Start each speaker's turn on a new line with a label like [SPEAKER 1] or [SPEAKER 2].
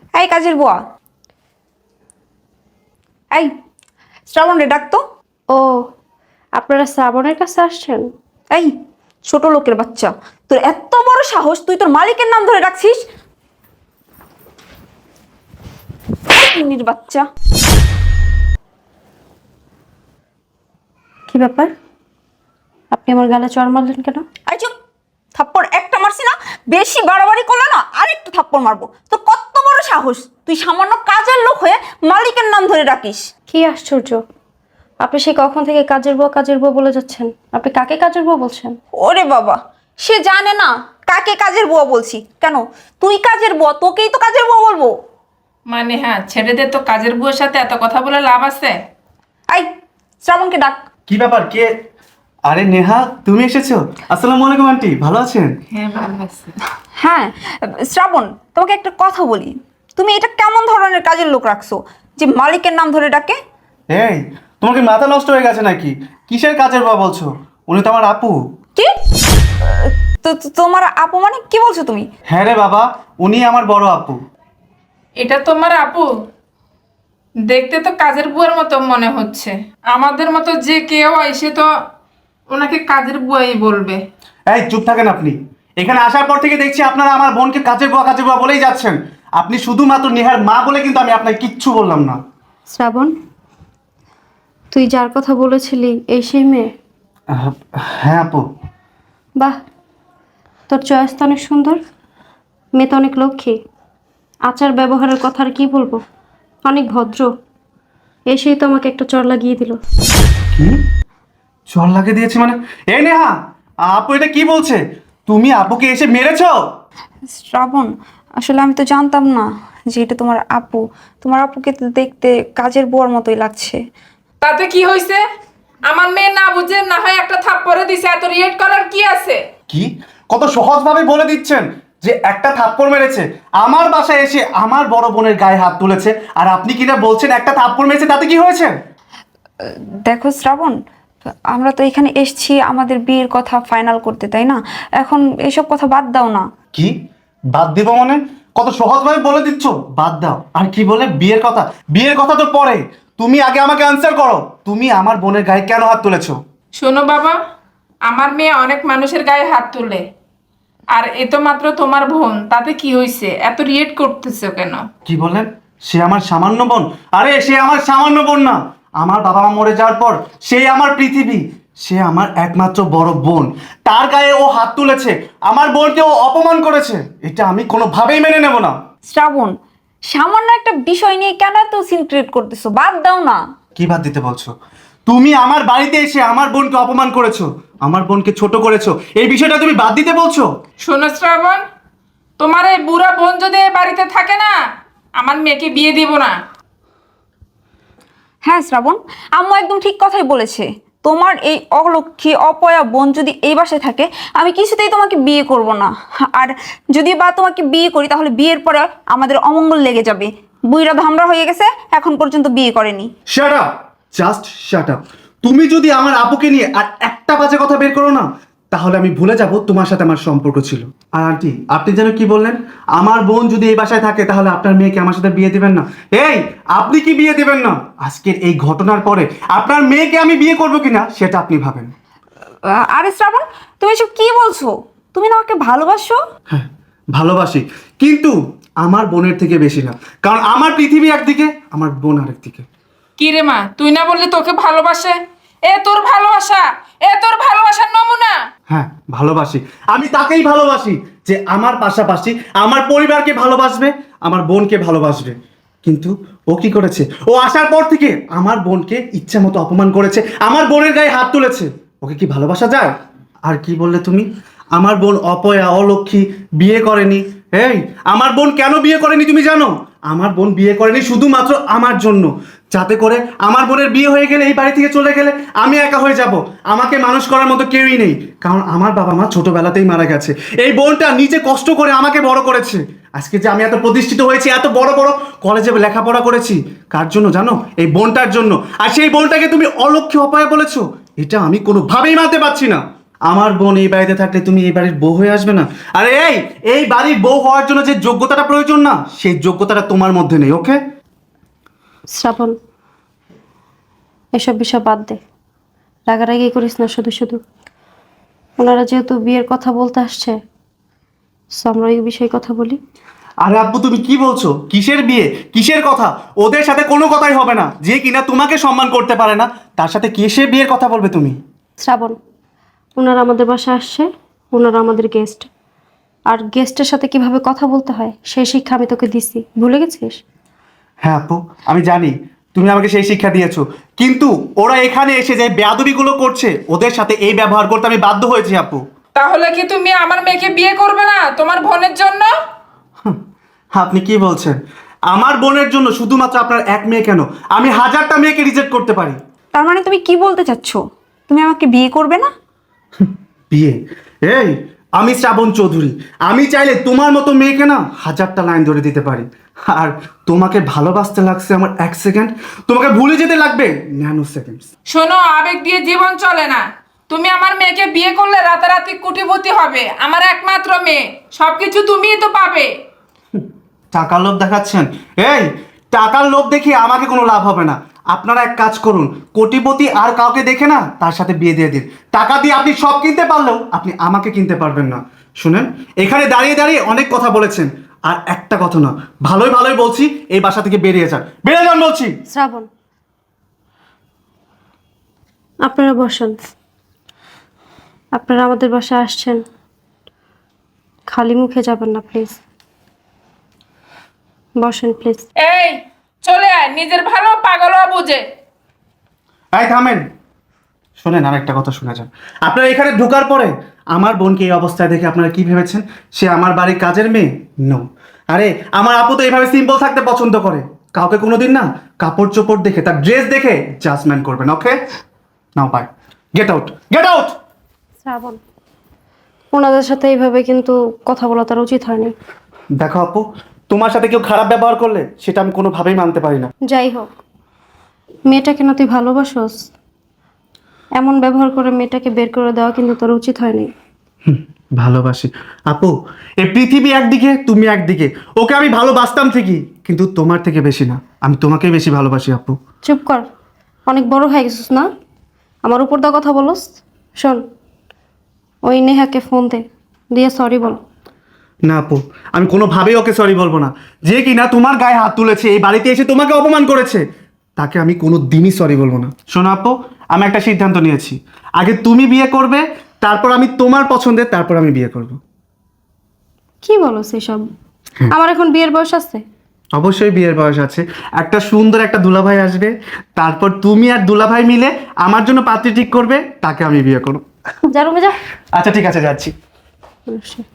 [SPEAKER 1] এই কাজের বুয়া, এই শ্রাবণ রে ডাকতো।
[SPEAKER 2] ও, আপনারা শ্রাবণের কাছে আসছেন?
[SPEAKER 1] এই ছোট লোকের বাচ্চা, তোর এত বড় সাহস, তুই তোর মালিকের নাম ধরে ডাকছিস? মিনির বাচ্চা।
[SPEAKER 2] কি ব্যাপার, আপনি আমার গালে চড় মারলেন কেন?
[SPEAKER 1] এই চুপ, থাপ্পড় একটা মারছি না, বেশি বাড়াবাড়ি করলে না আরেকটু থাপ্পড় মারবো। তো কত বড় সাহস, তুই সামান্য কাজের লোক হয়ে মালিকের নাম ধরে ডাকিস?
[SPEAKER 2] কি আশ্চর্য, আপনি সেই কখন থেকে কাজের বউ বলে যাচ্ছেন। আপনি কাকে কাজের বউ বলছেন?
[SPEAKER 1] ওরে বাবা, সে জানে না কাকে কাজের বুয়া বলছি। কেন, তুই কাজের বুয়া, তোকেই তো কাজের বুয়া বলবো।
[SPEAKER 3] মানে হ্যাঁ, ছেলেদের তো কাজের বুয়ের সাথে এত কথা বলে লাভ আছে?
[SPEAKER 1] এই শ্রাবণকে ডাক।
[SPEAKER 4] কি ব্যাপার, কে? আরে নেহা, তুমি এসেছো? আসসালামু আলাইকুম আন্টি, ভালো আছেন?
[SPEAKER 3] হ্যাঁ, ভালো আছে।
[SPEAKER 1] হ্যাঁ শ্রাবণ, তোমাকে একটা কথা বলি, তুমি এটা কেমন ধরনের কাজের লোক রাখছো যে মালিকের নাম ধরে ডাকে?
[SPEAKER 4] এই, তোমার কি মাথা নষ্ট হয়ে গেছে নাকি? কিসের কাজের বাবা বলছো? উনি তো আমার আপু।
[SPEAKER 1] কি? তোমার আপু মানে কি বলছো তুমি?
[SPEAKER 4] হ্যাঁ রে বাবা, উনি আমার বড় আপু।
[SPEAKER 3] এটা তোমার আপু? দেখতে তো কাজের বুয়ার মতো মনে হচ্ছে। আমাদের মতো যে কেউ এসে তো ওনাকে কাজের বুয়াই বলবে।
[SPEAKER 4] এই চুপ থাকেন আপনি। এখানে আসার পর থেকে দেখছি আপনারা আমার বোনকে কাজের বুয়া বলেই যাচ্ছেন। আপনি শুধুমাত্র নেহার মা বলে কিন্তু আমি আপনাকে কিচ্ছু বললাম না।
[SPEAKER 2] শ্রাবণ, তুই যার কথা বলেছিলি এই সেই মেয়ে?
[SPEAKER 4] হ্যাঁ আপু।
[SPEAKER 2] বাহ, তোর চয়েস তো অনেক সুন্দর, মেয়ে তো অনেক লক্ষ্মী, আচার ব্যবহারের কথা আর কি বলবো, অনেক ভদ্র। এসেই তো আমাকে একটা চড় লাগিয়ে দিল।
[SPEAKER 4] কি? চল লাগিয়ে দিয়েছে মানে? এই নেহা, আপু এটা কি বলছে? তুমি আপুকে এসে মেরেছো?
[SPEAKER 1] শ্রাবণ, আসলে আমি তো জানতাম না যে এটা তোমার আপু। তোমার আপুকে তো দেখতে কাজের বুয়ার মতোই লাগছে।
[SPEAKER 3] তাতে কি হয়েছে? আমার মেয়ে না বুঝে না হয় একটা থাপ্পড়ে দিছে, এত রিয়েক্ট করার কি আছে?
[SPEAKER 4] কি কত সহজভাবে বলে দিচ্ছেন যে একটা থাপ্পড় মেরেছে, আমার বাসায় এসে আমার বড় বোনের গায়ে হাত তুলেছে, আর আপনি কিনা বলছেন একটা থাপ্পড় মেরেছে, তাতে কি হয়েছে?
[SPEAKER 1] দেখো শ্রাবণ, আমরা তো এখানে এসেছি আমাদের বিয়ের কথা ফাইনাল করতে, তাই না? এখন এসব কথা বাদ দাও না।
[SPEAKER 4] কি বাদ দিব মানে? কত সহজভাবে বলে দিচ্ছ বাদ দাও, আর কি বলে বিয়ের কথা? বিয়ের কথা তো পরে, তুমি আগে আমাকে আনসার করো, তুমি আমার বোনের গায়ে কেন হাত তুলেছো?
[SPEAKER 3] শোনো বাবা, আমার মেয়ে অনেক মানুষের গায়ে হাত তুলে, আর এ তো মাত্র তোমার বোন, তাতে কি হয়েছে? এত রিয়েক্ট করতেছো কেন?
[SPEAKER 4] কি বলেন? সে আমার সামান্য বোন? আরে সে আমার সামান্য বোন না, আমার বাবা মা মরে যাওয়ার পর সে আমার পৃথিবী, সে আমার একমাত্র বড় বোন। তার গায়ে ও হাত তুলেছে, আমার বোনকে ও অপমান করেছে, এটা আমি কোনোভাবেই মেনে নেব না।
[SPEAKER 1] শ্রাবণ, সামান্য একটা বিষয় নিয়ে কেন এত সিন ক্রিয়েট করতেছো? বাদ দাও না।
[SPEAKER 4] কি বাদ দিতে বলছো? তুমি আমার বাড়িতে এসে আমার বোনকে অপমান করেছো, আমার বোনকে ছোট করেছো, এই বিষয়টা তুমি বাদ দিতে বলছো?
[SPEAKER 3] শোনো শ্রাবণ, তোমার এই বুড়া বোন যদি এই বাড়িতে থাকে না, আমার মেয়েকে বিয়ে দিব না।
[SPEAKER 1] হ্যাঁ শ্রাবণ, আম্মু একদম ঠিক কথাই বলেছে। তোমার এই অলক্ষী অপয়া বোন যদি এই বাসায় থাকে, আমি কিছুতেই তোমাকে বিয়ে করব না। আর যদি বা তোমাকে বিয়ে করি, তাহলে বিয়ের পরে আমাদের অমঙ্গল লেগে যাবে। বুইরা ধামরা হয়ে গেছে, এখন পর্যন্ত বিয়ে করেনি।
[SPEAKER 4] Shut up, just shut up. তুমি যদি আমার আপুকে নিয়ে আর একটা বাজে কথা বের করো না, তাহলে আমি ভুলে যাব তোমার সাথে আমার সম্পর্ক ছিল। আর আন্টি, আপনি যেন কি বললেন? আমার বোন যদি এই বাসায় থাকে তাহলে আপনার মেয়েকে আমার সাথে বিয়ে দিবেন না? এই, আপনি কি বিয়ে দিবেন না? আজকের এই ঘটনার পরে আপনার মেয়েকে আমি বিয়ে করবো কিনা সেটা আপনি ভাবেন।
[SPEAKER 1] আরে শ্রাবণ, তুমি এসব কি বলছো? তুমি না আমাকে ভালোবাসো?
[SPEAKER 4] হ্যাঁ, ভালোবাসি, কিন্তু আমার বোনের থেকে বেশি না, কারণ আমার পৃথিবী একদিকে, আমার বোন আরেকদিকে।
[SPEAKER 3] কি রে মা, তুই না বললি তোকে ভালোবাসে? এ তোর ভালোবাসা, এ তোর ভালোবাসার নমুনা।
[SPEAKER 4] হ্যাঁ, ভালোবাসি, আমি তাকেই ভালোবাসি যে আমার পাশাপাশি আমার পরিবারকে ভালোবাসবে, আমার বোনকে ভালোবাসবে। কিন্তু ও কি করেছে? ও আসার পর থেকে আমার বোনকে ইচ্ছা মতো অপমান করেছে, আমার বোনের গায়ে হাত তুলেছে। ওকে কি ভালোবাসা যায়? আর কি বললে তুমি? আমার বোন অপয়া, অলক্ষী, বিয়ে করেনি। এই, আমার বোন কেন বিয়ে করেনি তুমি জানো? আমার বোন বিয়ে করেনি শুধুমাত্র আমার জন্য, যাতে করে আমার বোনের বিয়ে হয়ে গেলে, এই বাড়ি থেকে চলে গেলে আমি একা হয়ে যাব, আমাকে মানুষ করার মতো কেউই নেই, কারণ আমার বাবা মা ছোটবেলাতেই মারা গেছে। এই বোনটা নিজে কষ্ট করে আমাকে বড় করেছে। আজকে যে আমি এত প্রতিষ্ঠিত হয়েছি, এত বড় বড় কলেজে লেখাপড়া করেছি, কার জন্য জানো? এই বোনটার জন্য। আর সেই বোনটাকে তুমি অলক্ষ্যে অপয়া বলেছো, এটা আমি কোনোভাবেই মানতে পারছি না। আমার বোন এই বাড়িতে থাকলে তুমি এই বাড়ির বউ হয়ে আসবে না? আরে এই বাড়ির বউ হওয়ার জন্য যে যোগ্যতাটা প্রয়োজন না, সেই যোগ্যতাটা তোমার মধ্যে নেই। ওকে?
[SPEAKER 2] শ্রাবণ, এসব বিষয় বাদ দে, রাগারাগি করিস না শুধু শুধু। ওনারা যেহেতু বিয়ের কথা বলতে আসছে, so আমরা এই বিষয়ে কথা বলি।
[SPEAKER 4] আরে আব্বু, তুমি কি বলছো? কিসের বিয়ে, কিসের কথা? ওদের সাথে কোনো কথাই হবে না। যে কিনা তোমাকে সম্মান করতে পারে না, তার সাথে কিসের বিয়ের কথা বলবে তুমি?
[SPEAKER 2] শ্রাবণ, ওনারা আমাদের বাসায় আসছে, ওনারা আমাদের গেস্ট, আর গেস্টের সাথে কিভাবে কথা বলতে হয় সেই শিক্ষা আমি তোকে দিছি, ভুলে গেছিস?
[SPEAKER 4] হ্যাঁ আপু, আমি জানি তুমি আমাকে সেই শিক্ষা দিয়েছো, কিন্তু ওরা এখানে এসে যে বেয়াদবিগুলো করছে, ওদের সাথে এই ব্যবহার করতে আমি বাধ্য হয়েছি আপু।
[SPEAKER 3] তাহলে কি তুমি আমার মেয়েকে বিয়ে করবে না তোমার বোনের জন্য?
[SPEAKER 4] আপনি কি বলছেন? আমার বোনের জন্য শুধুমাত্র আপনার এক মেয়ে কেন, আমি হাজারটা মেয়েকে রিজেক্ট করতে পারি।
[SPEAKER 1] তার মানে তুমি কি বলতে চাচ্ছ? তুমি আমাকে বিয়ে করবে না?
[SPEAKER 4] বিয়ে? আমি শ্রাবণ চৌধুরী, আমি চাইলে তোমার মতো মেয়েকে না হাজারটা লাইন ধরে দিতে পারি। আর তোমাকে ভালোবাসতে লাগছে আমার 1 সেকেন্ড, তোমাকে ভুলে যেতে লাগবে ন্যানো সেকেন্ড।
[SPEAKER 3] শোনো, আবেগ দিয়ে জীবন চলে না। তুমি আমার মেয়েকে বিয়ে করলে রাতারাতি কোটিপতি হবে। আমার একমাত্র মেয়ে, সবকিছু তুমিই তো পাবে।
[SPEAKER 4] টাকার লোভ দেখাচ্ছেন? টাকার লোভ দেখিয়ে আমাকে কোনো লাভ হবে না। আপনারা এক কাজ করুন, কোটিপতি আর কাউকে দেখে না তার সাথে বিয়ে দিয়ে দিন। টাকা দিয়ে আপনি সব কিনতে পারলেও আপনি আমাকে কিনতে পারবেন না। শুনেন, এখানে দাঁড়িয়ে দাঁড়িয়ে অনেক কথা বলেছেন, আর একটা কথা না, ভালোই ভালোই বলছি, এই বাসা থেকে বেরিয়ে যান, বেরিয়ে যান বলছি।
[SPEAKER 2] শ্রাবণ, আপনারা বসেন। আপনারা আমাদের বাসায় আসছেন, খালি মুখে যাবেন না প্লিজ। বসেন প্লিজ।
[SPEAKER 3] এই চলে আয়, নিজের ভালো পাগলও বুঝে।
[SPEAKER 4] থামেন, শোনেন, আর একটা কথা শুনে যান। আপনারা এখানে ঢোকার পরে আমার বোনকে এই অবস্থায় দেখে আপনারা কি ভেবেছেন? সে আমার বাড়ির কাজের মেয়ে? নো। আরে আমার আপু তো এইভাবে সিম্পল থাকতে পছন্দ করে। কাউকে কোনোদিন না কাপড় চোপড় দেখে, তার ড্রেস দেখে জাজমেন্ট করবেন। Okay? Now bye, get out, get out.
[SPEAKER 2] Shrabon, ওনাদের সাথে এইভাবে কিন্তু কথা বলা তার উচিত হয়নি।
[SPEAKER 4] দেখো আপু, তোমার সাথে কেউ খারাপ ব্যবহার করলে সেটা আমি কোনোভাবেই মানতে পারি না।
[SPEAKER 2] যাই হোক, মেয়েটাকে না তুই ভালোবাসোস, এমন ব্যবহার করে মেয়েটাকে বের করে দেওয়া কিন্তু তোর উচিত হয়নি।
[SPEAKER 4] ভালোবাসি আপু, এই পৃথিবী একদিকে, তুমি একদিকে। ওকে আমি ভালোবাসতাম ঠিকই, কিন্তু তোমার থেকে বেশি না, আমি তোমাকেই বেশি ভালোবাসি আপু।
[SPEAKER 2] চুপ কর, অনেক বড় হয়ে গেছিস না, আমার উপর দা কথা বলস। শোন, ওই নেহাকে ফোন দিয়ে সরি বল।
[SPEAKER 4] না আপু, আমি কোনোভাবেই ওকে সরি বলবো না। যে কিনা তোমার গায়ে হাত তুলেছে, এই বাড়িতে এসে তোমাকে অপমান করেছে, তাকে আমি কোনো দিনই সরি বলবো না। শোনো আপু, আমি একটা সিদ্ধান্ত নিয়েছি, আগে তুমি বিয়ে করবে, তারপর আমি তোমার পছন্দের, তারপর আমি বিয়ে করব।
[SPEAKER 2] কি বলো সেসব? আমার এখন বিয়ের বয়স আছে।
[SPEAKER 4] অবশ্যই বিয়ের বয়স আছে। একটা সুন্দর একটা দুলাভাই আসবে, তারপর তুমি আর দুলাভাই মিলে আমার জন্য পাত্রী ঠিক করবে, তাকে আমি বিয়ে করব।
[SPEAKER 2] যা রুমে যা।
[SPEAKER 4] আচ্ছা ঠিক আছে, যাচ্ছি।